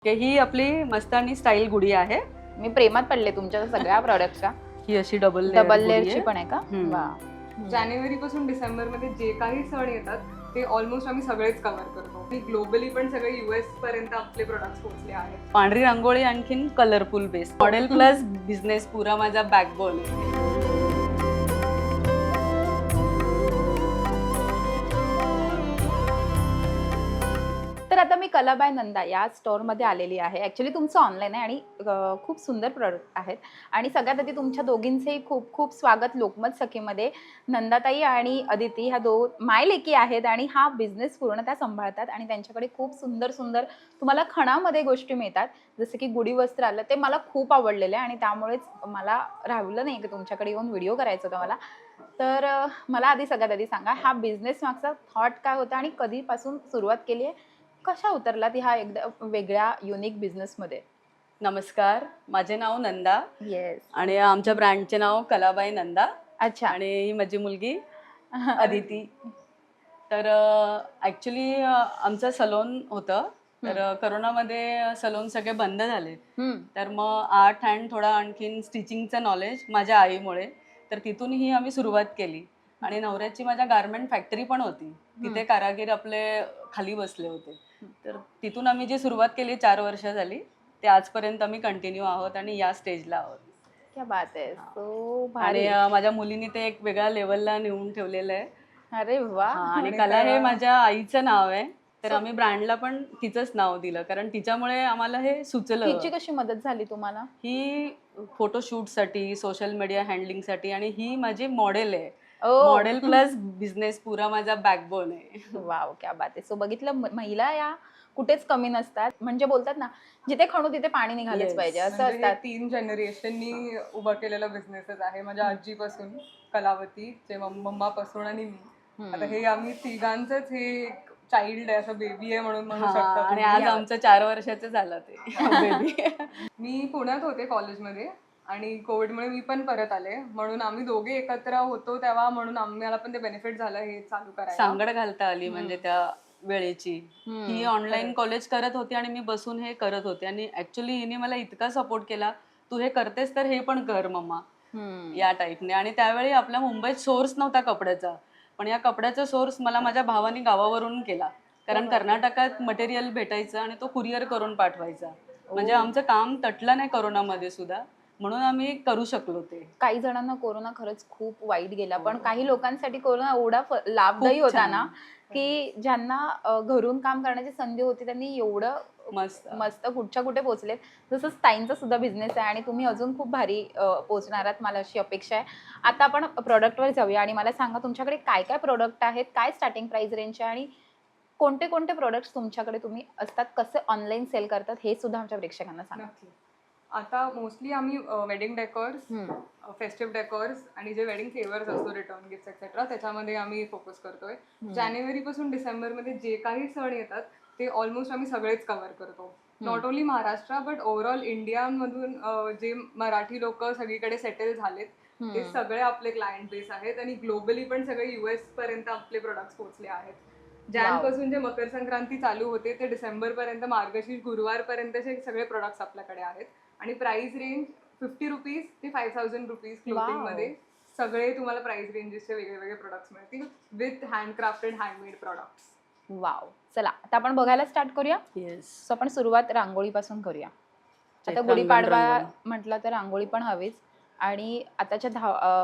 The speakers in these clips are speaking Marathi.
ही आपली मस्तानी स्टाईल गुढी आहे. मी प्रेमात पडले तुमच्या सगळ्या प्रॉडक्टच्या. ही अशी डबल लेअरची पण आहे का? वा. जानेवारी पासून डिसेंबर मध्ये जे काही सण येतात ते ऑलमोस्ट आम्ही सगळेच कव्हर करतो. ग्लोबली पण सगळे US पर्यंत आपले प्रोडक्ट्स पोहोचले आहेत. पांढरी रांगोळी आणखीन colourful base model plus business पुरा माझा बॅकबोन आहे. तर आता मी कला बाय नंदा या स्टोअरमध्ये आलेली आहे. ॲक्च्युली तुमचं ऑनलाईन आहे आणि खूप सुंदर प्रोडक्ट आहेत. आणि सगळ्यात आधी तुमच्या दोघींचेही खूप खूप स्वागत लोकमत सखीमध्ये. नंदाताई आणि अदिती ह्या मायलेकी आहेत आणि हा बिझनेस पूर्ण त्या सांभाळतात आणि त्यांच्याकडे खूप सुंदर सुंदर तुम्हाला खणामध्ये गोष्टी मिळतात. जसं की गुढी वस्त्र आलं ते मला खूप आवडलेलं आहे आणि त्यामुळेच मला राहिलं नाही की तुमच्याकडे येऊन व्हिडिओ करायचा होता मला. तर मला आधी सगळ्यात आधी सांगा, हा बिझनेस मागचा थॉट काय होता आणि कधीपासून सुरुवात केली आहे? कशा उतरलात ह्या एकदम वेगळ्या युनिक बिझनेसमध्ये? नमस्कार, माझे नाव नंदा. येस. आणि आमच्या ब्रँडचे नाव कलाबाई नंदा. अच्छा. आणि ही माझी मुलगी अदिती. तर ॲक्च्युली आमचं सलोन होतं. तर करोनामध्ये सलोन सगळे बंद झाले. तर मग आर्ट अँड थोडा आणखीन स्टिचिंगचं नॉलेज माझ्या आईमुळे, तर तिथूनही आम्ही सुरुवात केली. आणि नवऱ्याची माझ्या गारमेंट फॅक्टरी पण होती, तिथे कारागीर आपले खाली बसले होते. तर तिथून आम्ही जी सुरुवात केली 4 वर्ष झाली, ते आजपर्यंत आम्ही कंटिन्यू आहोत आणि या स्टेजला आहोत. क्या बात आहे. सो आणि भारी. माझ्या मुलीने ते एक वेगळ्या लेवलला नेऊन ठेवलेलं आहे. अरे वा. आणि कला हे माझ्या आईचं नाव आहे, तर आम्ही ब्रँडला पण तिचंच नाव दिलं, कारण तिच्यामुळे आम्हाला हे सुचलं. तिची कशी मदत झाली तुम्हाला? ही फोटोशूटसाठी, सोशल मीडिया हँडलिंगसाठी, आणि ही माझी मॉडेल आहे. ओ. मॉडेल प्लस बिझनेस पुरा माझा बॅकबोन आहे. वाव, क्या बात आहे. सो बघितलं, महिला या कुठेच कमी नसतात. म्हणजे बोलतात ना, जिथे खणू तिथे पाणी निघालंच Yes. पाहिजे असं म्हणजे हे असतात. 3 जनरेशननी उभा केलेला बिझनेसच आहे. माझ्या आजीपासून कलावती, जे मम्मापासून आणि मी. आता हे आम्ही तिघांचंच हे एक चाइल्ड आहे, असं बेबी आहे म्हणून म्हणू शकता. आणि आज आमचं 4 वर्षाचं झालं ते बेबी. मी पुण्यात होते कॉलेजमध्ये आणि कोविडमुळे मी पण परत आले, म्हणून आम्ही दोघे एकत्र होतो तेव्हा, म्हणून आम्हाला पण ते बेनिफिट झालं हे चालू करायला. सांगड घालता आली म्हणजे त्या वेळेची. ही ऑनलाईन कॉलेज करत होती आणि मी बसून हे करत होते, आणि ऍक्च्युली हिने मला इतका सपोर्ट केला, तू हे करतेस तर हे पण कर मम्मा, या टाईपने. आणि त्यावेळी आपल्या मुंबईत सोर्स नव्हता कपड्याचा, पण या कपड्याचा सोर्स मला माझ्या भावाने गावावरून केला, कारण कर्नाटकात मटेरियल भेटायचं आणि तो कुरिअर करून पाठवायचा. म्हणजे आमचं काम तटलं नाही करोनामध्ये सुद्धा, म्हणून आम्ही करू शकलो ते. काही जणांना कोरोना खरंच खूप वाईट गेला, पण काही लोकांसाठी कोरोना एवढा लाभदायी होता ना, की ज्यांना घरून काम करण्याची संधी होती त्यांनी एवढं मस्त कुठच्या कुठे पोहोचलेत. जसं ताईंचा सुद्धा बिझनेस आहे आणि तुम्ही अजून खूप भारी पोहोचणार आहात, मला अशी अपेक्षा आहे. आता आपण प्रोडक्टवर जाऊया आणि मला सांगा, तुमच्याकडे काय काय प्रोडक्ट आहेत, काय स्टार्टिंग प्राइस रेंज आहे आणि कोणते कोणते प्रोडक्ट्स तुमच्याकडे तुम्ही असतात, कसे ऑनलाईन सेल करतात हे सुद्धा आमच्या प्रेक्षकांना सांगा. आता मोस्टली आम्ही वेडिंग डेकॉर्स, फेस्टिव्ह डेकॉर्स आणि जे वेडिंग फेवर्स असतो, रिटर्न गिफ्ट एक्सेट्रा, त्याच्यामध्ये आम्ही फोकस करतोय. जानेवारी पासून डिसेंबर मध्ये जे काही सण येतात ते ऑलमोस्ट आम्ही सगळेच कव्हर करतो. Not only Maharashtra but overall इंडियामधून जे मराठी लोक सगळीकडे सेटल झालेत ते सगळे आपले क्लायंट बेस आहेत, आणि ग्लोबली पण सगळे US पर्यंत आपले प्रोडक्ट्स पोहोचले आहेत. पासून जे मकर संक्रांती चालू होते ते डिसेंबर पर्यंत, मार्गशीर्ष गुरुवार पर्यंतचे सगळे प्रोडक्ट्स आपल्याकडे आहेत. आणि प्राइस रेंज 50 रुपीज ते 5000 रुपीज क्लोथिंग मध्ये सगळे तुम्हाला प्राइस रेंजेसचे वेगळे प्रोडक्ट्स मिळतील, with handcrafted handmade products. Wow. चला आता आपण बघायला स्टार्ट करूया. सो आपण सुरुवात रांगोळीपासून करूया. आता गुढीपाडवा म्हटलं तर रांगोळी पण हवीच, आणि आताच्या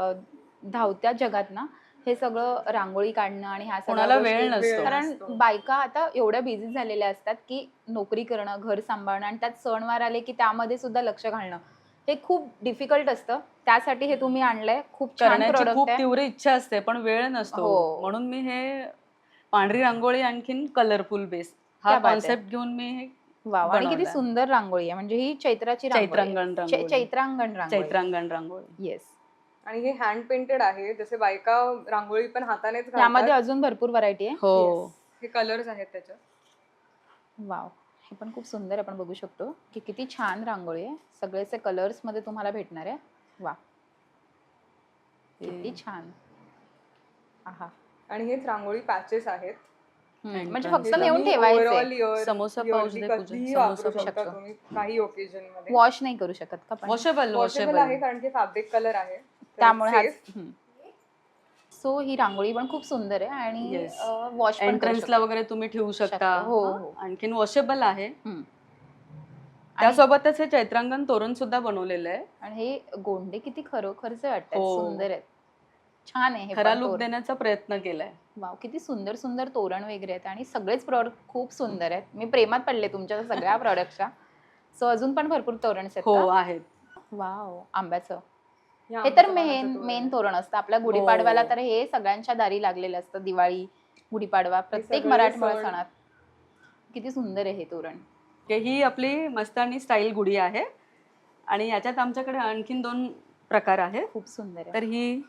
धावत्या जगात ना हे सगळं रांगोळी काढणं आणि ह्या सगळ्या वेळ नसतो, कारण बायका आता एवढ्या बिझी झालेल्या असतात की नोकरी करणं, घर सांभाळणं आणि त्यात सणवार आले की त्यामध्ये सुद्धा लक्ष घालणं हे खूप डिफिकल्ट असतं. त्यासाठी हे तुम्ही आणलंय, खूप छान प्रोडक्ट खूप आहे. तीव्र इच्छा असते पण वेळ नसतो, म्हणून मी हे पांढरी रांगोळी आणखीन कलरफुल बेस हा कॉन्सेप्ट घेऊन मी हे. वाव. आणि किती सुंदर रांगोळी आहे, म्हणजे ही चैत्रांगण रांगोळी. येस. आणि हे हँड पेंटेड आहे, जसे बायका रांगोळी पण हातानेच घालतात. यामध्ये अजून भरपूर व्हरायटी आहे. हो. हे कलर्स आहेत त्याच्यात. वाव. हे पण खूप सुंदर आपण बघू शकतो की किती छान रांगोळी आहे, सगळेचे कलर्स मध्ये तुम्हाला भेटणार आहे. वा, किती छान. आहा. आणि हेच रांगोळी पॅचेस आहेत. म्हणजे Entrance फक्त ला. नेऊन तुम्ही ठेवायचे. overall year- samosa yearly pouch दे पूजा. कधीही समोसा वापरू शकता पाऊच. तुम्ही काही ओकेजन मध्ये. वॉश नाही करू शकत का पण? वॉशेबल वॉशेबल आहे कारण की फॅब्रिक कलर आहे तर त्यामुळे हा safe. सो ही रांगोळी पण खूप सुंदर आहे आणि Yes. वॉश पण करू एंट्रन्सला वगैरे तुम्ही ठेवू शकता. शकतो. हो, हा. हो. आणखीन वॉशेबल आहे. हम्म. त्यासोबतच हे चैत्रांगण तोरण सुद्धा बनवलेलं आहे. आणि हे गोंडे किती खरोखरच वाटतात, हो. सुंदर आहेत, छान आहे हे खरा पण लुक तोरण. देण्याचा प्रयत्न केलाय. वाव, किती सुंदर सुंदर तोरण वगैरे आहेत आणि सगळेच प्रॉडक्ट खूप सुंदर आहेत. मी प्रेमात पडले तुमच्या सगळ्या प्रॉडक्टच्या. सो अजून पण भरपूर तोरण आहेत हो का? आहेत. वाव, आंब्याचं. या हे तर आंब्याच्या पानाचं मेन तोरण मेन आहे. तोरण असतं आपल्या गुढीपाडव्याला. हो. तर हे सगळ्यांच्या दारी लागलेलं असतं. दिवाळी, गुढीपाडवा, प्रत्येक सगळे मराठमोळ्या सण. सणात. किती सुंदर आहे हे तोरण. ही आपली मस्तानी स्टाईल गुढी आहे आणि याच्यात आमच्याकडे आणखीन 2 प्रकार आहेत. खूप सुंदर आहे. तर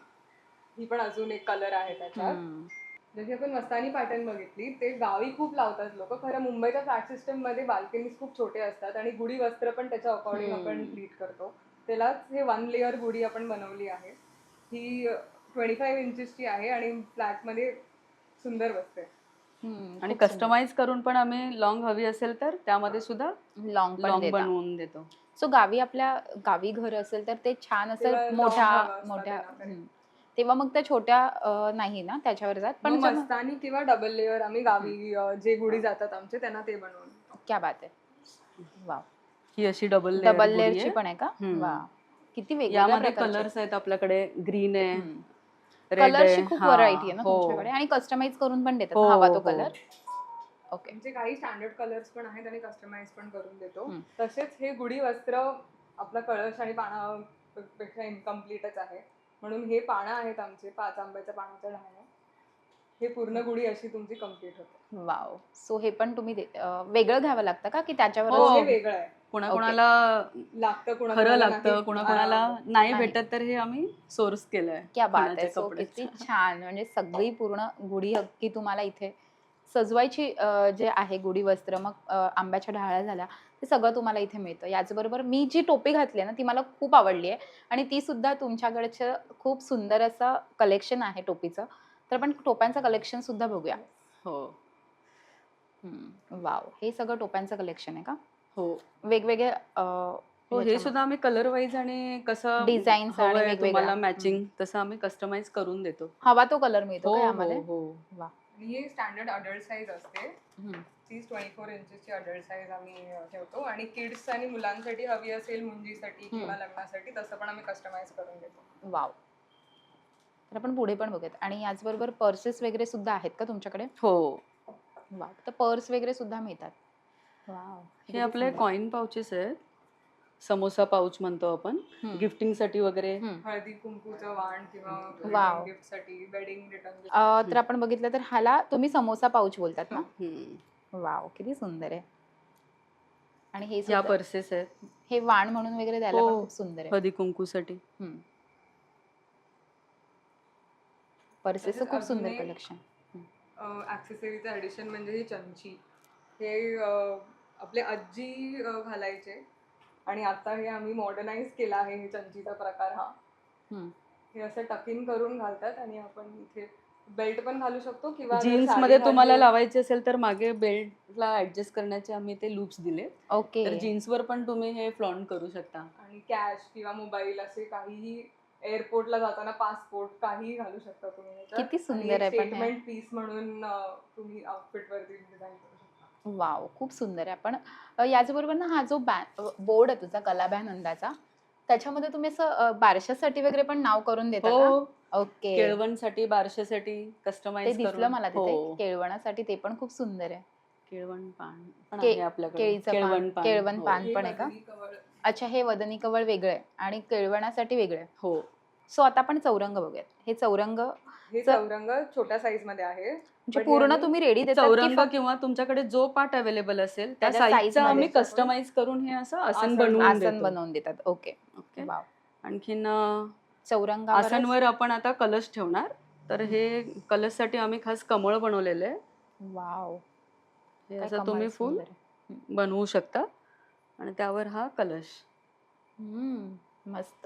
ही पण अजून एक कलर आहे त्याच्यात. जशी आपण मस्तानी पॅटर्न बघितली ते गावी खूप लावतात लोक. खरं मुंबईच्या फ्लॅट सिस्टम मध्ये बाल्कनीज खूप छोटे असतात आणि गुढी वस्त्र पण त्याच्या अकॉर्डिंग आपण ट्रीट करतो. त्यालाच हे 1 लेअर गुढी आपण बनवली आहे. ही 25 इंचेसची आहे आणि फ्लॅट मध्ये सुंदर बसते. आणि कस्टमाइज करून पण आम्ही लॉंग हवी असेल तर त्यामध्ये सुद्धा लॉंग लॉंग बनवून देतो. सो गावी आपल्या गावी घर असेल तर ते छान तेव्हा असेल long मोठ्या हवा असता मोठ्या त्यांना correct. तेव्हा मग त्या छोट्या नाही ना त्याच्यावर जात. पण पण मस्तानी किंवा डबल लेअर आम्ही गावी जे गुढी जातात आमचे त्यांना ते बनवून. क्या बात आहे. वाव, ही अशी डबल डबल लेअर लेअरची पण आहे का? वा, किती वेगवेगळ्या यामध्ये प्रकारचे. कलर्स आहेत आपल्याकडे. ग्रीन आहे, रेड कलरची आहे. खूप हा, व्हरायटी आहे ना हो. तुमच्याकडे आणि कस्टमाइज करून पण देतात हो, ना हवा तो हो. कलर. ओके. म्हणजे काही स्टँडर्ड कलर्स पण आहेत आणि कस्टमाइज पण करून देतो. तसेच हे गुढी वस्त्र आपला कळश आणि पानापेक्षा इनकम्प्लीटच आहे. म्हणून हे पानं आहेत आमचे 5 आंब्याच्या पानाच्या ढाळ्या. हे पूर्ण गुढी अशी तुमची कम्प्लीट होते. वाव. सो हे पण तुम्ही वेगळं घ्यावं लागतं का की त्याच्यावर? हो, हे वेगळं आहे. कोणाकोणाला लागतं खरं कोणाला लागतं, कोणाकोणाला नाही नाही. भेटत, तर हे आम्ही सोर्स केलंय. क्या बात आहे. कोणाच्या सो किती कपड्याचं. छान. म्हणजे सगळी पूर्ण गुढी हक्की तुम्हाला इथे सजवायची जे आहे गुढी वस्त्र, मग आंब्याच्या ढाळ्या झाल्या, ते सगळं तुम्हाला इथे मिळतं. याचबरोबर मी जी टोपी घातली आहे ना ती मला खूप आवडली आहे आणि ती सुद्धा तुमच्याकडचं खूप सुंदर असं कलेक्शन आहे टोपीचं. तर आपण टोप्यांचं कलेक्शन सुद्धा बघूया. हो वाव, हे सगळं टोप्यांचं कलेक्शन आहे का? हो वेगवेगळे हो, हे सुद्धा आम्ही कलर वाईज आणि कसं Designs आणि हवंय वेगवेगळ्या. तुम्हाला मॅचिंग तसं आम्ही कस्टमाइज करून देतो. हवा तो कलर मिळतो हो का हो यामध्ये? हो. वा. आणि ही स्टँडर्ड अडल्ट साईज असते. तीच 24 इंचेसची अडल्ट साईज आम्ही ठेवतो आणि किड्स आणि मुलांसाठी हवी असेल मुंजीसाठी किंवा लग्नासाठी तसं पण आम्ही कस्टमाइज करून देतो. वाव. तर आपण पुढे पण बघूयात. आणि याचबरोबर पर्सेस वगैरे सुद्धा आहेत का तुमच्याकडे? हो, वाव, तर पर्स वगैरे सुद्धा मिळतात. वाव, हे आपले कॉइन पाउचेस आहेत. समोसा पाऊच म्हणतो आपण. गिफ्टिंग साठी वगैरे. हळदी कुंकूचं वाण किंवा वाव. गिफ्ट साठी वेडिंग रिटर्न. तर आपण बघितलं तर ह्याला तुम्ही समोसा पाऊच बोलतात ना? हम्म. वाव, किती सुंदर आहे. आणि हे या सुद्धा पर्सेस आहेत. हे वाण म्हणून वगैरे द्यायला पण खूप सुंदर आहे. हळदी कुंकूसाठी. पर्सेस खूप अजून सुंदर एक कलेक्शन. ऍक्सेसरीचं ऍडिशन म्हणजे ही चमची. हे आपले आजी घालायचे आणि आता हे आम्ही मॉडर्नाइज केला आहे हे चमचीचा प्रकार हा. हे असं टकिंग करून घालतात आणि आपण इथे बेल्ट पण घालू शकतो किंवा जर जीन्स साडी मध्ये तुम्हाला घातली- लावायचे असेल तर मागे बेल्टला ऍडजस्ट करण्याचे आम्ही ते लूप्स दिले. ओके. तर जीन्सवर पण तुम्ही हे फ्लॉन्ट करू शकता. आणि कॅश किंवा मोबाईल असे काहीही एअरपोर्टला जाताना पासपोर्ट काहीही घालू शकता तुम्ही याच्यात. किती सुंदर आहे पण हे. स्टेटमेंट पीस म्हणून तुम्ही आउटफिट वरती डिझाईन करू शकता. वाव, खूप सुंदर आहे. पण याचबरोबर ना हा जो बोर्ड आहे तुझा कलाभ्यानंदाचा, त्याच्यामध्ये तुम्ही असं बारशासाठी वगैरे पण नाव करून देता का? हो, ओके. केळवणसाठी, बारशासाठी ते कस्टमाइज दिसलं करून. मला तिथे. हो, केळवणासाठी ते पण खूप सुंदर आहे. केळवण पान पण के- आहे आपल्याकडे. केळीचं पान, केळवण हो. पान. हे पण आहे का? वजनी कवळ. अच्छा, हे वदनी कवळ वेगळं आहे आणि केळवणासाठी वेगळं आहे. हो, सो आता आपण चौरंग बघूयात. हे चौरंग हे चौरंग छोट्या साईज मध्ये आहे. म्हणजे पण हे पूर्ण आम्ही तुम्ही रेडी देतात की चौरंग फक्त किंवा तुमच्याकडे जो पार्ट अवेलेबल असेल त्या त्याच्या size साईजचा आम्ही मध्ये कस्टमाइज करून हे असं आसन आसन बनवून आसन देतो. बनवून देतात? ओके. ओके. वाव. आणखीन चौरंगावर आसनवर आपण आता कलश ठेवणार. तर हे कलशसाठी आम्ही खास कमळ बनवलेलं आहे. वाव, हे काय असं कमाल तुम्ही फुल सुंदर आहे. बनवू शकता आणि त्यावर हा कलश. मस्त.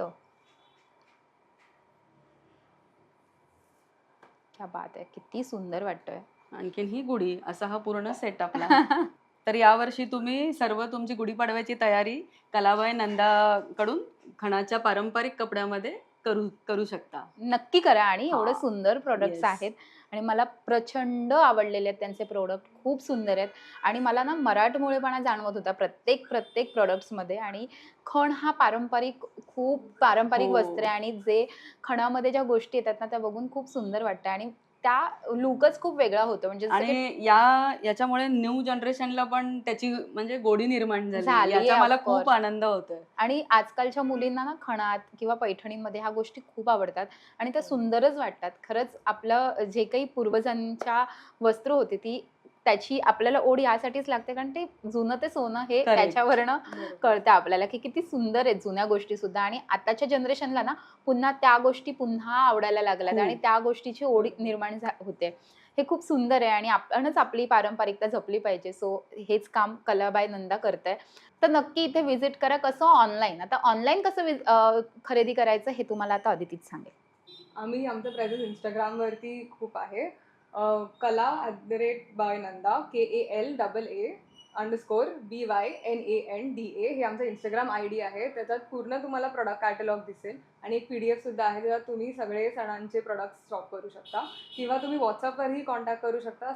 क्या बात आहे. किती सुंदर वाटतोय. आणखीन ही गुढी, असा हा पूर्ण सेट आपला. तर यावर्षी तुम्ही सर्व तुमची गुढीपाडव्याची तयारी कलाबाई नंदाकडून खणाच्या पारंपरिक कपड्यामध्ये करू शकता. नक्की करा. आणि एवढं हा. सुंदर प्रोडक्ट्स Yes. आहेत आणि मला प्रचंड आवडलेले आहेत त्यांचे प्रोडक्ट, खूप सुंदर आहेत. आणि मला ना मराठमोळेपणा जाणवत होता प्रत्येक प्रोडक्ट्समध्ये. आणि खण हा खूप पारंपरिक हो. वस्त्र आहे आणि जे खणामध्ये ज्या गोष्टी येतात ना त्या बघून खूप सुंदर वाटतं आणि त्या लुकच खूप वेगळा होतो. म्हणजे जसं की आणि याच्यामुळे न्यू जनरेशनला पण त्याची म्हणजे गोडी निर्माण झाली, झाली आहे, याचा मला of खूप course. आनंद होतोय. आणि आजकालच्या मुलींना ना खणात किंवा पैठणींमध्ये ह्या गोष्टी खूप आवडतात आणि त्या सुंदरच वाटतात. खरंच आपलं जे काही पूर्वजांच्या वस्त्र होती ती त्याची आपल्याला ओढ यासाठीच लागते कारण ते जुनं ते सोनं हे Correct. त्याच्यावरनं कळतं आपल्याला की किती सुंदर आहेत जुन्या गोष्टी सुद्धा. आणि आताच्या जनरेशनला ना पुन्हा त्या गोष्टी पुन्हा आवडायला लागल्यात खूप. आणि त्या गोष्टीची ओढ निर्माण होते. हे खूप सुंदर आहे आणि आपणच आपली पारंपरिकता जपली पाहिजे. सो हेच काम कलाबाई नंदा करताय. तर नक्की इथे व्हिजिट करा. कसं ऑनलाईन, आता ऑनलाईन कसं खरेदी करायचं हे तुम्हाला आता अदितीच सांगेल. आम्ही आमचं प्रेझेन्स इंस्टाग्रामवरती खूप आहे. kala@by_nanda KALAA_BYNANDA हे आमचं इंस्टाग्राम ID आहे. त्याच्यात पूर्ण तुम्हाला प्रोडक्ट कॅटलॉग दिसेल आणि एक PDF सुद्धा आहे ज्यात तुम्ही सगळे सणांचे प्रोडक्ट्स शॉप करू शकता किंवा तुम्ही व्हॉट्सअपवरही कॉन्टॅक्ट करू शकता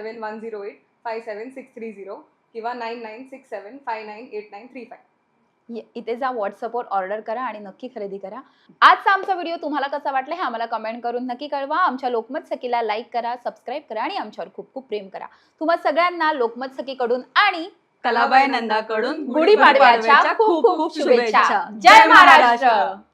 7710857630 किंवा 9967598935. इथे जा, व्हॉट्सअपवर ऑर्डर करा आणि नक्की खरेदी करा. आजचा आमचा व्हिडिओ तुम्हाला कसा वाटला हे आम्हाला कमेंट करून नक्की कळवा. आमच्या लोकमत सखीला लाईक करा, सबस्क्राईब करा आणि आमच्यावर खूप खूप प्रेम करा. तुम्हा सगळ्यांना लोकमत सखीकडून आणि कलाबाई नंदाकडून गुढीपाडव्याच्या खूप खूप शुभेच्छा. जय महाराष्ट्र.